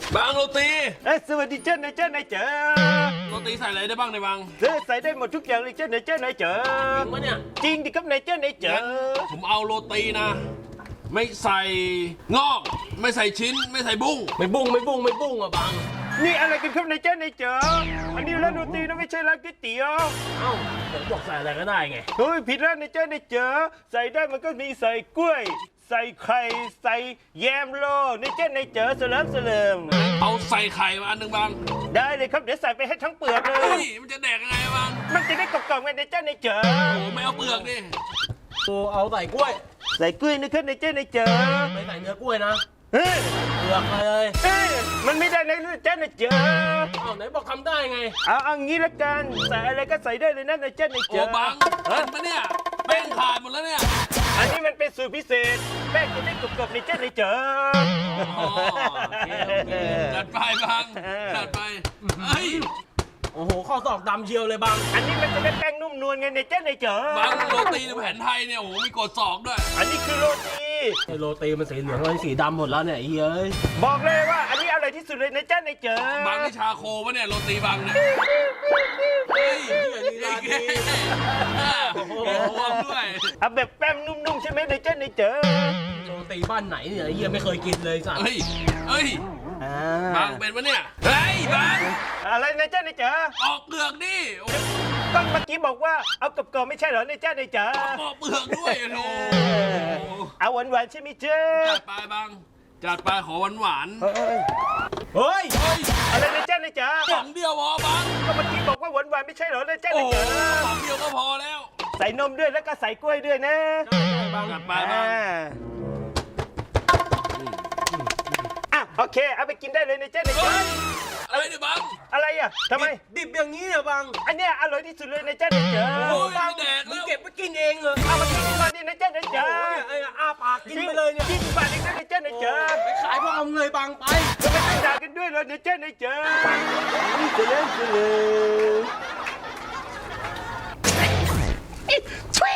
บางโรตีสวัสดีเจ้านายเจ้านายเจ๋อโรตีใส่อะไรได้บ้างในบางใส่ได้หมดทุกอย่างเลยเจ้านายเจ้านายเจ๋อจริงปะเนี่ยจริงดิครับนายเจ้านายเจ๋อผมเอาโรตีนะ ไม่ใส่งอก ไม่ใส่ชิ้น ไม่ใส่บุ้งไม่บุ้งอ่ะบางนี่อะไรกันครับนายเจ้านายเจ๋ออันนี้ร้านโรตีนะไม่ใช่ร้านก๋วยเตี๋ยวเอ้าผมบอกใส่อะไรก็ได้ไงเฮ้ยผิดร้านนายเจ้านายเจ๋อใส่ได้มันก็มีใส่กล้วย ใส่ไข่ใส่แยมโลนายเจ้านายเจ๋อเสลิมเอาใส่ไข่มาอันหนึ่งบางได้เลยครับเดี๋ยวใส่ไปให้ทั้งเปลือกเลเฮ้ยยมันจะแดกยังไงบางมันจะได้กรอบๆไงนายเจ้านายเจ๋อโอ้ไม่เอาเปลือกดิโอ้เอาใส่กล้วยใส่กล้วยนะครับนายเจ้านายเจ๋อไม่ใส่เนื้อกล้วยนะเฮ้ยเปลือกมาเลยเฮ้ยมันไม่ได้นะนายเจ้านายเจ๋อเอ้าไหนบอกทำได้ไงเอางี้ละกันใส่อะไรก็ใส่ได้เลยนะนายเจ้านายโอ้เจ๋อบางเห็นปะเนี่ยแป้งขาดหมดแล้วเนี่ยอันนี้มันเป็นสูตรพิเศษแป้งจะได้กรอบๆนายเจ้านายเจ๋ออ๋อโอเคจัดไปบางจัดไปเฮ้ยโอ้โหข้อศอกดำเชียวเลยบางอันนี้มันจะได้แป้งนุ่มนวลไงนายเจ้านายเจ๋อบางโรตีในแผนไทยเนี่ยโอ้โหมีกดศอกด้วยอันนี้คือโรตีไอโรตีมันสีเหลืองเลยสีดำหมดแล้วเนี่ยไอ้เฮ้ยบอกเลยว่าอันนี้อร่อยที่สุดเลยนายเจ้านายเจ๋อบางนี่ชาโคปะเนี่ยโรตีบางเนี่ยเฮ้ยลีลาดีโอ้โหด้วยเอาแบบแป้งนุ่มๆใช่ไหมนายเจ้านายเจ๋อโรตีบ้านไหนเนี่ยไอ้เหี้ยไม่เคยกินเลยสัตว์เฮ้ยเฮ้ยอ่าบางเป็นปะเนี่ยเฮ้ยบางอะไรนายเจ้านายเจ๋อออกเปลือกดิโอ้โหก็เมื่อกี้บอกว่าเอากรอบๆไม่ใช่เหรอนายเจ้านายเจ๋อปอกเปลือกด้วยโอ้โหเอาหวานๆใช่ไหมเจ๊จัดไปบางจัดไปขอหวานหวานเฮ้ยเฮ้ยเฮ้ยอะไรนายเจ้านายเจ๋อสองเดียวพอบางก็เมื่อกี้บอกว่าหวานๆไม่ใช่เหรอนายเจ้าโอ้นายโหเจ๋อสองเดียวก็พอแล้วใส่นมด้วยแล้วก็ใส่กล้วยด้วยนะจัดไปบางอ่ะโอเคเอาไปกินได้เลยนายเจ้านายเจ๋อเฮ้ยอะไรเนี่ยบางอะไรอ่ะทำไมดิบอย่างนี้เนี่ยบางอันเนี้ยอร่อยที่สุดเลยนายเจ้านายเจ๋อโอ้ยบางไม่แดกมึแล้งวเก็บไปกินเองเหรอเอามากินก่อนดินายเจ้านายโอ้เจ๋อโหเนี่ยไอ้อ้าปากกินไปเลยเนี่ย 20 บาทเองนะนายเจ้านายเจ๋อไปขายพวกเอาเงยบางไปจะไม่ต้องด่ากันด้วยเหรอนายเจ้านายเจ๋อนี่จะเล่นจะเลยช่วย